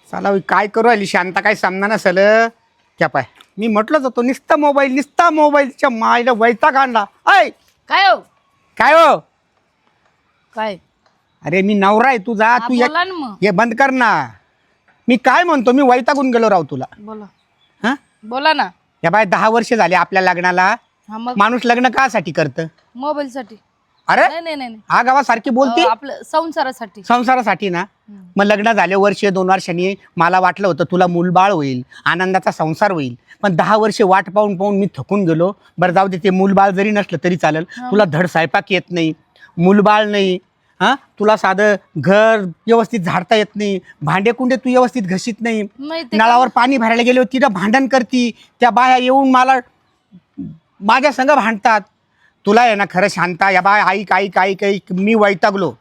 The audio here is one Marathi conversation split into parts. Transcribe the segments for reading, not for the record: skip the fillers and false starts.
चला काय करू आली शांता काय सामना नसेल क्या पाय मी म्हटलंच होतो निस्ता मोबाईलच्या मायला वैताग आणला ऐ काय हो काय हो काय अरे मी नवरा आहे तुझा हा, तू बोला ना मग. हे बंद कर ना मी काय म्हणतो मी वैतागून गेलो राव तुला बोला हा बोला ना. या बाय 10 वर्ष झाले आपल्या लग्नाला हा मग माणूस लग्न कासाठी करतं मोबाईल साठी अरे नाही नाही नाही हा गावासारखी बोलती आपलं संसारासाठी. संसारासाठी ना मग लग्न झाले वर्ष 2 वर्षांनी मला वाटलं होतं तुला मूलबाळ होईल आनंदाचा संसार होईल पण 10 वर्ष वाट पाहून मी थकून गेलो बरं जाऊ दे ते मूलबाळ जरी नसलं तरी चालेल तुला धड स्वयंपाक येत नाही मूलबाळ नाही हा तुला साधं घर व्यवस्थित झाडता येत नाही भांडे कुंडे तू व्यवस्थित घशीत नाही नाही ते नळावर पाणी भरायला गेलो तिथं भांडण करती त्या बाया येऊन मला माझ्या संग भांडतात तुला आहे ना खरं शांता या बाय ऐक मी वैतागलो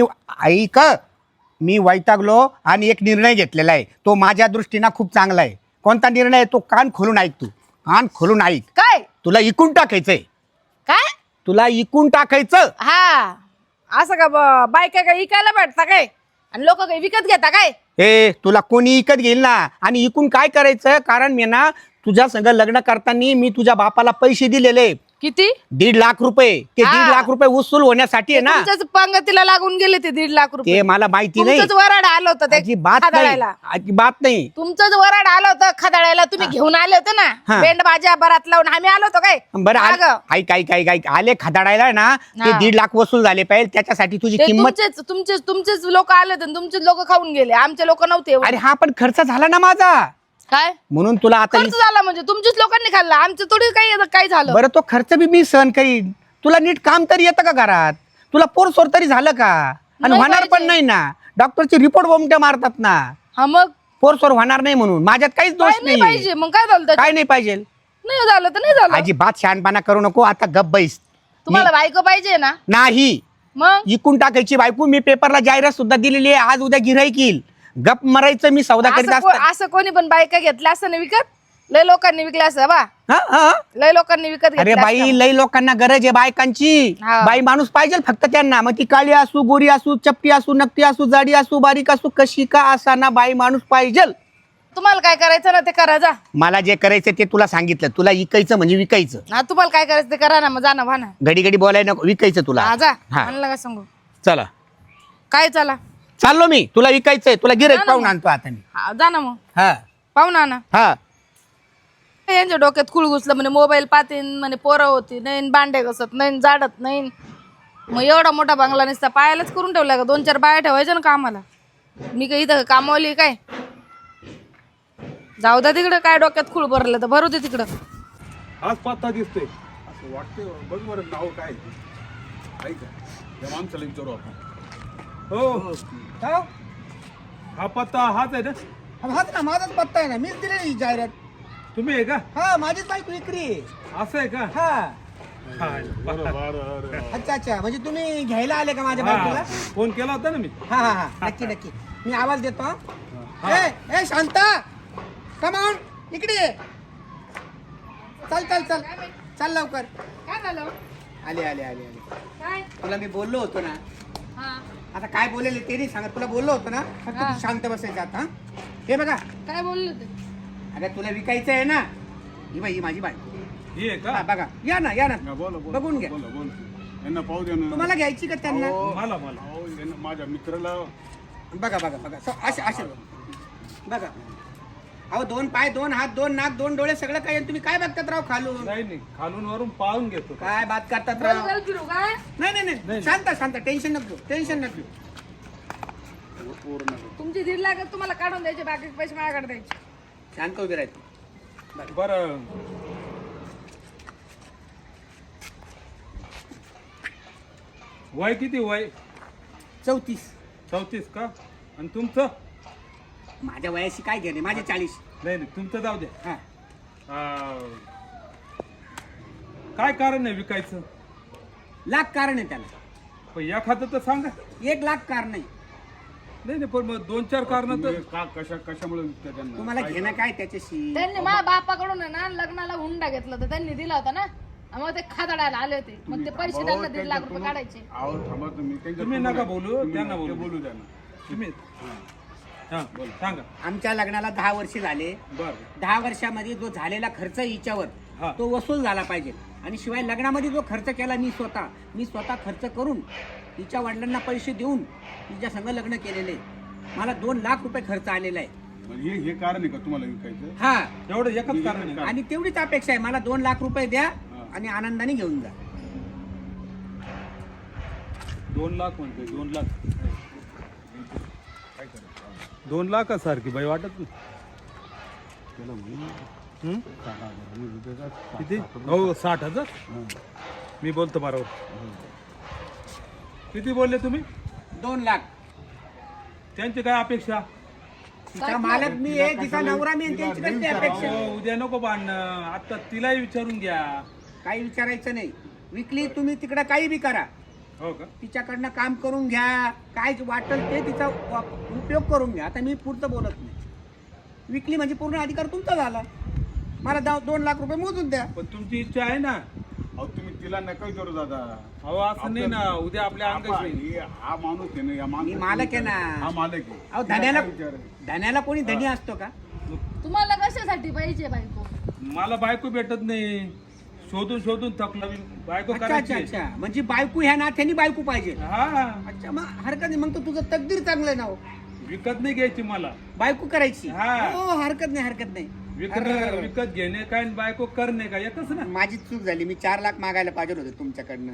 मी वैतागलो आणि एक निर्णय घेतलेला आहे तो माझ्या दृष्टीनं खूप चांगला आहे कोणता निर्णय आहे तो कान खोलून ऐक तू कान खोलून ऐक काय तुला इकून टाकायचंय काय तुला इकून टाकायचं हा असं का बायका काय विकायला भेटता काय आणि लोक काही विकत घेता काय. ए तुला कोणी इकत घेईल ना आणि इकून काय करायचं कारण मी ना तुझ्या संग लग्न करताना मी तुझ्या बापाला पैसे दिलेले किती 1.5 लाख रुपये ते हा. 1.5 लाख रुपये वसूल होण्यासाठी आहे ना तुमच्याच पंगतीला लागून गेले ते 1.5 लाख ते रुपये. मला माहिती नाही तुमचंच वराड आलं होतं ते अजिबात नाही खदाळायला. अजिबात नाही तुमचंच वराड आलं होतं खदाळायला तुम्ही घेऊन आले होते हा. ना बेंड बाजा बरात लावून आम्ही आलो होतो काय. बरं हा ग. ऐक आले खदाडायला ना ते हा. 1.5 लाख वसूल झाले पाहिजे त्याच्यासाठी तुझी ते किंमत तुमचेच लोक आले होते तुमचेच लोक खाऊन गेले आमचे लोक नव्हते एवढे. अरे हा पण खर्च झाला ना माझा काय म्हणून तुला आता खर्च झाला म्हणजे तुमच्याच लोकांनी खाल्ला आमचं थोडी काय झालं. बरं तो खर्च बी मी सहन करीन तुला नीट काम तरी येतं का घरात तुला पोरसोर तरी झालं का आणि नाही होणार पण पाहिजे. नाही ना डॉक्टरची रिपोर्ट बोमट्या मारतात ना हा मग पोरसोर होणार नाही म्हणून माझ्यात काहीच दोष काय नाही नाही पाहिजे मग काय झालं त्याच्यात? काय नाही पाहिजे नाही झालं तर नाही झालं. अजिबात शहाणपणा करू नको आता गप्प बैस तुम्हाला बायको पाहिजे ना नाही मग इकून टाकायची बायको मी पेपरला जाहिरात सुद्धा दिलेली आहे आज उद्या गिऱ्हाईक येईल गप मरायचं मी सौदा करीत असं कोणी पण बायका घेतल्या असं ना विकत लय लोकांनी विकल्या असं बा असतात लय लोकांनी विकत अरे घेतल्या बाई असत्या. लई लोकांना गरज आहे बायकांची हा. बाई माणूस पाहिजे फक्त त्यांना मग ती काळी असू गोरी असू चपटी असू नकटी असू जाडी असू बारीक असू कशी का असाना बाई माणूस पाहिजे तुम्हाला काय करायचं ना ते करा जा. मला जे करायचं ते तुला सांगितलं तुला इकायचं म्हणजे विकायचं हा तुम्हाला काय करायचं ते करा ना मग जा ना व्हा ना. घडी बोलायला नको विकायचं तुला हा जा हा. म्हणलं काय सांगू चला काय चला चाललो मी तुला विकायचंय तुला गिऱ्हाईक जा ना पाहून मग. आणतो आता मी हा, जा ना मग हा पाहू ना ना हा यांच्या डोक्यात खुळ घुसलं म्हणे मोबाईल पाहतीन म्हणे पोरं होती नाही भांडे घसत नाही जाडत नाही मग एवढा मोठा बंगला नसता पायालाच करून ठेवला का 2-4 बाया ठेवायच्या ना कामाला मी काही इथं कामावली काय जाऊ द्या तिकडं काय डोक्यात खुळ भरलं तर भरू दे तिकडं. हाच पत्ता दिसतोय असं वाटतंय बघ बरं नाव काय ऐका या माणसाला विचारू आपण हो हा पत्ता हाच आहे ना हाच ना माझाच पत्ता आहे ना मीच दिलेली जाहिरात तुम्ही आहे का हा माझीच बायको विक्री असं आहे का हा बरं. अच्छा म्हणजे तुम्ही घ्यायला आले का माझ्या बायकोला फोन केला होता ना मी हा नक्की मी आवाज देतो हा. ए शांता कमान इकडे ये. चल लवकर काय झालं आले काय तुला मी बोललो होतो ना हा आता काय बोलेले ते नाही सांगत तुला बोललो होतो ना फक्त तू शांत बसायचं आता हे बघा काय बोलले ते अरे तुला विकायचं आहे ना ही बाई ही माझी बायको ही आहे हा, का बघा या ना हा, बोला बघून घ्या बोला यांना पाहू द्या ना तुम्हाला घ्यायची का त्यांना मला यांना माझ्या मित्राला बघा असे बघा अहो 2 पाय 2 हात 2 नाक 2 डोळे सगळं काही आणि तुम्ही काय बघतात राव खालून नाही खालून वरून पाहून घेतो काय बात करतात राव गोल फिरू काय नाही शांत टेन्शन नको तुमची 1.5 लाख तुम्हाला काढून द्यायचे बाकीचे पैसे माझ्याकडे द्यायचे. शांत उभे राहायचं बरं वय किती वय 34 का आणि तुमचं माझ्या वयाशी काय घेणे माझे 40 नाही तुमचं जाऊ द्या हा काय कारण आहे विकायचं लाख कारण आहे त्याला पण एखादं तर सांगा 1 लाख कारण आहे नाही पण मग 2-4 कारण तर कशामुळे विकता त्यांना तुम्हाला घेणं काय त्याच्याशी त्यांनी माझ्या बापाकडून आहे ना लग्नाला हुंडा घेतला होता त्यांनी दिला होता ना मग ते खादाडायला आले होते मग ते पैसे त्यांना 1.5 लाख रुपये काढायचे. तुम्ही नका बोलू त्यांना बोलू द्या ना तुम्ही हा बोल सांगा. आमच्या लग्नाला 10 वर्ष झाले. बर 10 वर्षामध्ये जो झालेला खर्च हिच्यावर हा. तो वसूल झाला पाहिजे. आणि शिवाय लग्नामध्ये जो खर्च केला मी स्वतः खर्च करून तिच्या वडिलांना पैसे देऊन तिच्या संग लग्न केलेले. मला 2 लाख रुपये खर्च आलेला आहे. म्हणजे हे कारण आहे का तुम्हाला विकायचं? हा, एवढं एकच कारण आहे का? आणि तेवढीच अपेक्षा आहे. मला 2 लाख रुपये द्या आणि आनंदाने घेऊन जा. 2 लाख म्हणतोय 2 लाख. 2 लाखासारखी बाई वाटत नाही. हं? किती? हो 60,000. मी बोलतो बरोबर. किती बोलले तुम्ही? 2 लाख. त्यांची काय अपेक्षा? तिचा मालक मी आहे, तिचा नवरा मी आहे, त्यांची कसली अपेक्षा? हो, उद्या नको भांडणं. आता तिलाही विचारून घ्या. काही विचारायचं नाही. विकली तुम्ही तिकडं काही बी करा. हो का? तिच्याकडनं काम करून घ्या. काय वाटेल ते तिचा उपयोग करून घ्या. आता मी पुढचं बोलत नाही. विकली म्हणजे पूर्ण अधिकार तुमचा झाला. मला 2 लाख रुपये मोजून द्या. पण तुमची इच्छा आहे ना. अहो तुम्ही तिला नका विचारू दादा. अहो असं नाही ना, उद्या आपल्या अंगाशी. हा माणूस आहे ना, या मी माणूस मालक आहे ना. हा मालक आहे. अहो तिला धन्याला काय विचार आहे? धन्याला कोणी धनी असतो का? तुम्हाला कशासाठी पाहिजे बायको? मला बायको भेटत नाही. शोधून शोधून थकला मी. बायको अच्छा अच्छा करायची. अच्छा. म्हणजे बायको ह्या नात्याने बायको पाहिजे. हा अच्छा, मग हरकत नाही. मग तर तुझं तकदीर चांगलं ना हो. विकत नाही घ्यायची मला. बायको करायची. हा. हो, हरकत नाही हरकत नाही. विकत घेणे काय आणि बायको करणे काय एकच ना. माझी चूक झाली. मी 4 लाख मागायला पाहिजे होते तुमच्याकडनं.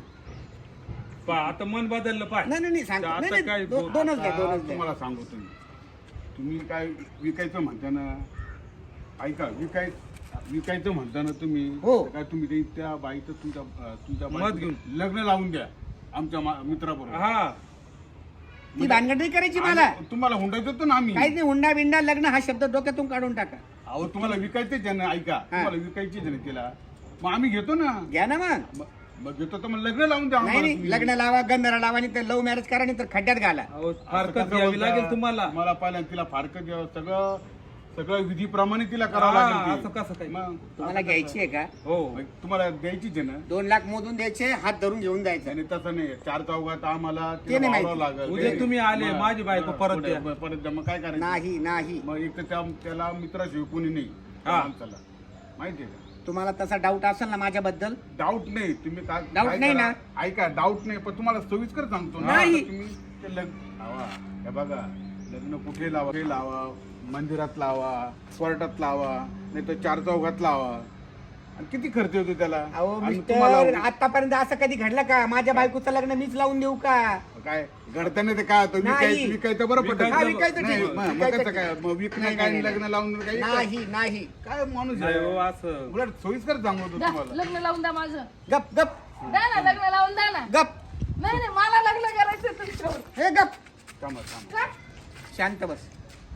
आता मन बदललं पाय. नाही नाही नाही, सांगतो. आता नाही, काय नाही, दोनच द्या आता दोनच द्या. तुम्हाला सांगू तुम्ही काय विकायचं म्हणता ना. ऐका विकायचं म्हणता ना तुम्ही. हो. तर काय तुम्ही त्या बाईचं तुमच्या मत बाईचं घेऊन. लग्न लावून द्या आमच्या मित्राबरोबर. हा ती भानगड नाही करायची मला. आणि तुम्हाला हुंडायचं होतं ना आम्ही. काहीच नाही. हुंडा बिंडा लग्न हा शब्द डोक्यातून काढून टाका. अहो तुम्हाला विकायचंच आहे ना. ऐका तुम्हाला विकायचीच आहे ना तिला. मग आम्ही घेतो ना. घ्या ना मग. मग घेतो तर मग लग्न लावून द्या नाही आम्हाला नाही, तुम्ही. लग्न लावा, गंधरा लावा, नाही तर लव्ह मॅरेज करा, नाही तर खड्ड्यात घाला. अहो, असं फारकत कसं घ्यावी बोलता? लागेल तुम्हाला. मला पहिल्यांदा तिला फारकत द्यावं. सगळं विधीप्रमाणे तिला करावं हा, लागेल असं ते. कसं काय? मग तुम्हाला घ्यायची आहे का? हो मग तुम्हाला द्यायचीच आहे ना. 2 लाख मोजून द्यायचे, हात धरून घेऊन जायचं. आणि तसं नाही 4 चौघात आम्हाला ते तिला नाही वावरावं माहिती. लागेल. उद्या तुम्ही आले, मग- माझी बायको मग परत पुढे- द्या. परत द्या. मग काय करायचं? नाही नाही. मग एक तर त्याला मित्राशिवाय कोणी नाही हा. माणसाला. माहितीये का? तुम्हाला तसा डाऊट असेल ना माझ्याबद्दल? डाऊट नाही. तुम्ही काय Doubt काय नाही करा? ना? ऐका डाऊट नाही. पण तुम्हाला सविस्कर सांगतो ना. नाही. आता तुम्ही ते लावा. हे बघा लग्न कुठे लावा मंदिरात लावा, कोर्टात लावा, नाही तर 4 चौघात लावा. आणि किती खर्च होतो त्याला? अहो आणि मिस्टर, आतापर्यंत असं कधी घडलं का? माझ्या बायकोचं लग्न मीच लावून देऊ का? काय घडताना ते काय होतं? नाही. विकायचं बरं पडतं. हा, विकायचं नाही, ठीक. मग विकायचं कसं काय? मग विकणं नाही, काय नाही, आणि लग्न लावून काय नाही नाही. काय माणूस नाही हो आहे? असं. उलट सोयीस्कर सांगतो द्या, तुम्हाला. लग्न लावून द्या माझं. गप गप द्या ना, लग्न लावून द्या ना. गप. नाही नाही, मला लग्न करायचं तुमच्यावर. हे गप. थांबा थांबा. का? शांत बस.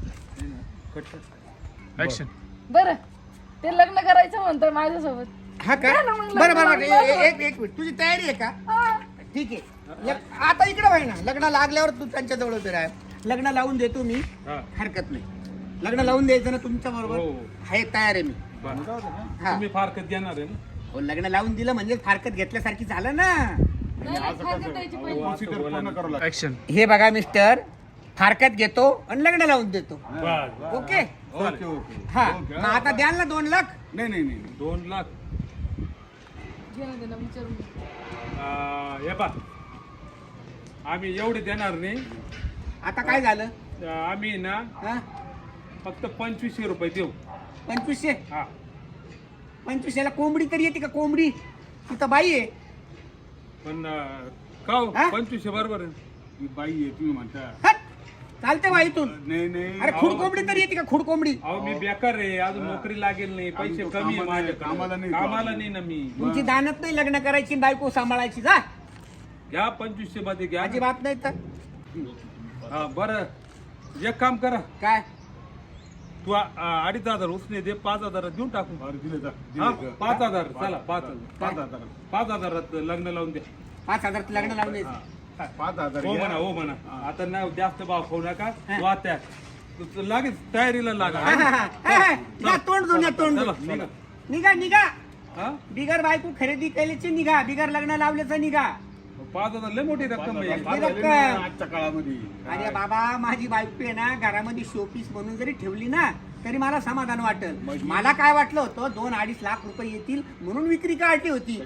बरं, ते लग्न करायचं म्हणतोय माझ्यासोबत. हा का? द्या ना मग लग्न बरं बरं लावून बरं. एक मिनिट. तुझी तयारी आहे का? हा. ठीक आहे. आता इकडे व्हाय ना. लग्न लागल्यावर तू त्यांच्या जवळ उभे राह. लग्न लावून देतो मी. हा. हरकत नाही. लग्न लावून द्यायचं ना तुमच्या बरोबर? हो. आहे, तयार आहे मी. बरं. हा. तुम्ही फारकत घेणार आहे ना. हो, लग्न लावून दिलं म्हणजे फारकत घेतल्यासारखी झालं ना. नाही नाही, फारकत द्यायची पहिली. प्रोसिजर पूर्ण करावं लागेल. हे बघा मिस्टर, फारकत घेतो आणि लग्न लावून देतो. बस. ओके. Okay okay. हा, ओके. मग आता द्याल ना 2 लाख? नाही नाही नाही 2 लाख. घेणं देणं विचारून घे. हे पा आम्ही एवढे देणार नाही. आता काय झालं? आम्ही ना हा? फक्त 2500 रुपये देऊ. 2500? हा 2500ला कोंबडी तरी येते का? कोंबडी तिथं बाई आहे. पण का हो? हा? 2500 बरोबर आहे. मी बाई आहे तुम्ही म्हणता. हट! चालते बाईतून. नाही नाही अरे खुड कोंबडी तरी येते का? खुड कोंबडी. अहो मी बेकार आहे, अजून नोकरी लागेल नाही, पैसे आम्ही तो कमी आहे कामाला- माझ्याकडे. कामाला नाही. कामाला नाही ना मी. तुमची दानत नाही लग्न करायची, बायको सांभाळायची. जा. घ्या 2500 मध्ये घ्या. अजिबात नाही तर. हा बरं, एक काम करा. काय? तू 2,500 उसने दे, 5,000 देऊन टाकू. बरं, दिले जा. हा दिले जा. 5,000 चला 5,000. 5,000. 5,000 लग्न लावून द्या. 5,000 लग्न लावून द्यायचं. 5,000 हो घ्या. म्हणा, हो म्हणा. आता नाही जास्त भाव खाऊ नका. हा. तू आता तू लागेल तयारीला लागा. हा, हा, हा. हा, या तोंड धुऊन या, तोंड चला, धुऊन. चला. निघा निघा. हा? बिगर बायको खरेदी केल्याची निघा, बिगर लग्न लावल्याचं निघा. 5,000 लय मोठी रक्कम आहे. फार झाले ना आजच्या काळामध्ये. अरे बाबा माझी बायको आहे ना घरामध्ये शोपीस म्हणून जरी ठेवली ना तरी मला समाधान वाटेल. मला काय वाटलं होतं 2-2.5 लाख रुपये येतील म्हणून विक्री काढली होती.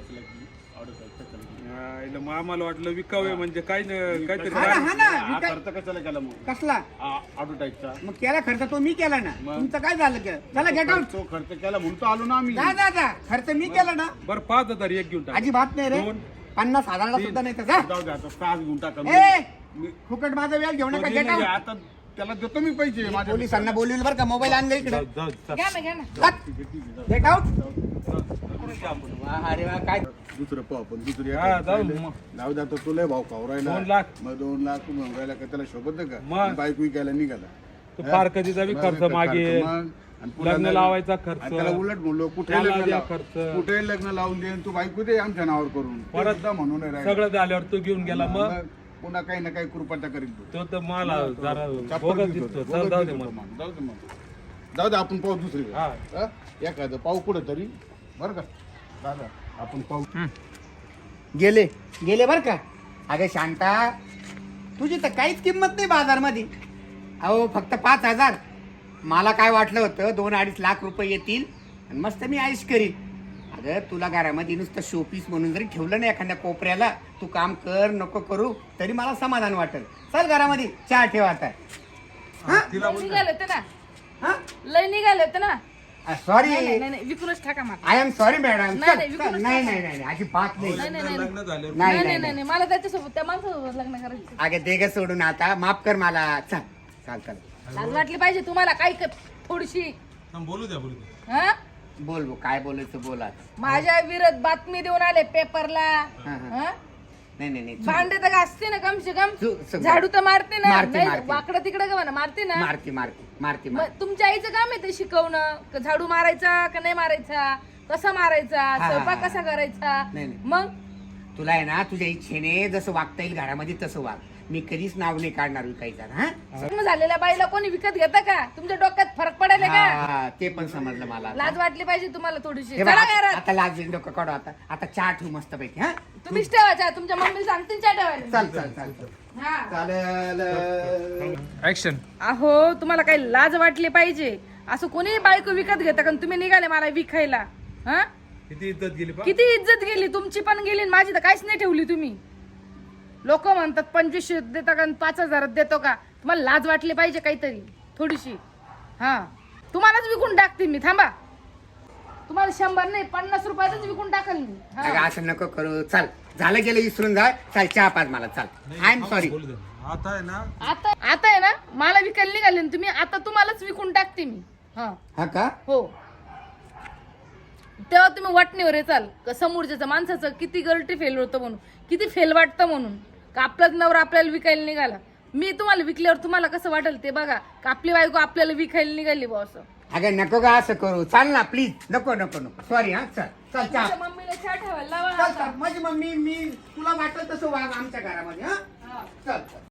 इला मग आम्हाला वाटलं विकावे म्हणजे काय काहीतरी हा ना, हा ना, हा खर्च कशाला केला मग कसला ॲडव्हर्टाईजचा? मग केला खर्च तो मी केला ना. तुमचं काय झालं चला गेट आउट. तो खर्च केला म्हणून तो आलो ना आम्ही. जा खर्च मी केला ना. बरं 5,000 एक घेऊन टाक. अजिबात नाही रे. 50,000ला सुद्धा नाही तर जा. जाऊ दे आता 6 घेऊन टाका. ए फुकट माझा वेळ घेऊ नका. Get out. आता त्याला देतो मी पैसे माझ्या पोलिसांना बोलवलं बरं का. मोबाईल आणलं इकडे. जाऊ, जाऊ. घ्या ना गेट आउट. अरे वा काय दुसरं पाहू आपण दुसरी हा, जाऊ मग. जाऊ द्या तुला भाऊ खावरायला 2 लाख. मग 2 लाख म्हणून राहिला का त्याला शोभत का मग. बाईक विकायला निघाला तो फार कधीचा बी खर्च मागे मग. आणि पुन्हा लग्न त्याला- लावायचा खर्च. आणि त्याला उलट म्हणलो कुठे त्याला लग्न द्या लाव- खर्च. कुठे लग्न लावून दे तू बायको दे आमच्या नावावर करून परत परत म्हणून नाही राहिला. सगळं झाल्यावर तो घेऊन गेला मग मग पुन्हा काही ना काही कृपाचा करीत तो तर मला जरा चप्पल बोगस घेतो, दिसतो. बोगस चल, जाऊ दे दिसतो मग. मग. जाऊ दे आपण पाहू दुसरी हा. एखादं पाहू कुठं तरी बरं का दादा आपण पाहू गेले बरं का. अगं शांता तुझी तर काहीच किंमत नाही बाजारमध्ये. अहो फक्त 5,000. मला काय वाटलं होतं 2-2.5 लाख रुपये येतील आणि मस्त मी आयुष करीन. अगं तुला घरामध्ये नुसतं शोपीस म्हणून जरी ठेवलं ना एखाद्या कोपऱ्याला तू काम कर नको करू तरी मला समाधान वाटेल. चल घरामध्ये चहा ठेवा आता. लय निघाले होते ना. हा लय निघाले होते ना. सॉरी. नाही विकूनच टाका मला. I am sorry madam. नाही, नाही, विकूनच नाही अजिबात नाही. नाही नाही नाही लग्न झाल्यावर नाही नाही नाही नाही नाही मला त्याच्यासोबत त्या माणसासोबत लग्न करायचं. अगं दे ग सोडून आता. माफ कर मला. चल लाज वाटली पाहिजे तुम्हाला काही थोडीशी. बोलू द्या. हा बोल काय बोलायचं बोला. माझ्या विरोध बातमी देऊन आले पेपरला. हा. हा? नाही भांडे तर घासते ना कम से कम. चूक. झाडू तर मारते ना. मारते, नाही मारते. वाकडं तिकडं का म्हणा मारते ना. मारती मग तुमच्या आईचं काम आहे ते शिकवणं का झाडू मारायचा का नाही मारायचा, कसा मारायचा, हा. स्वयंपाक कसा करायचा. नाही, नाही. मग तुला आहे ना तुझ्या इच्छेने जसं वागता येईल घरामध्ये तसं वाग. मी कधीच नाव नाही काढणार विकायचं. हा लग्न झालेल्या बाईला कोणी विकत घेता का? तुमच्या डोक्यात फरक पडायला का? हा, ते पण समजलं मला आता. लाज वाटली पाहिजे तुम्हाला थोडीशी. हे बघ, चला घरात. आता लाज डोकं काढू आता चहा ठेवू मस्त पैकी. हा तुम्हीच ठेवायचा. तुमच्या मम्मीला सांगते चहा ठेवायला. चल हा. चालेल. ऍक्शन. अहो तुम्हाला काही लाज वाटली पाहिजे. असं कोणी बायको विकत घेता का? तुम्ही निघाले मला विकायला. हा किती इज्जत गेली पा. किती इज्जत गेली तुमची पण गेली आणि माझी तर काहीच नाही ठेवली तुम्ही. लोक म्हणतात 2500 देता का 5,000 देतो का? तुम्हाला लाज वाटली पाहिजे काहीतरी थोडीशी. हा तुम्हालाच विकून टाकते मी. थांबा तुम्हाला 100 नाही 50 रुपयातच विकून टाकल मी. हा. अगं असं नको करू. चल झालं गेलं विसरून जा. चल चहा पाच मला. चल आय एम सॉरी. बोलू द्या. आता आहे ना आता आहे ना मला विकायला निघाले ना तुम्ही. आता तुम्हालाच विकून टाकते मी. हा का हो तेव्हा तुम्ही वाटणीवर येचाल का समोरच्याचं माणसाचं किती गलटी फेल होतं म्हणून, किती फेल वाटतं म्हणून. का आपलाच नवरा आपल्याला विकायला निघाला. मी तुम्हाला विकल्यावर तुम्हाला कसं वाटेल ते बघा. का आपली बायको आपल्याला विकायला निघाली बा असं. अगं नको का असं करू. चाल ना प्लीज. नको सॉरी. हा चल चहा. तुमच्या मम्मीला चहा ठेवायला लावा. चल माझी मम्मी मी तुला वाटलं तसं वाग आमच्या घरामध्ये. हा चल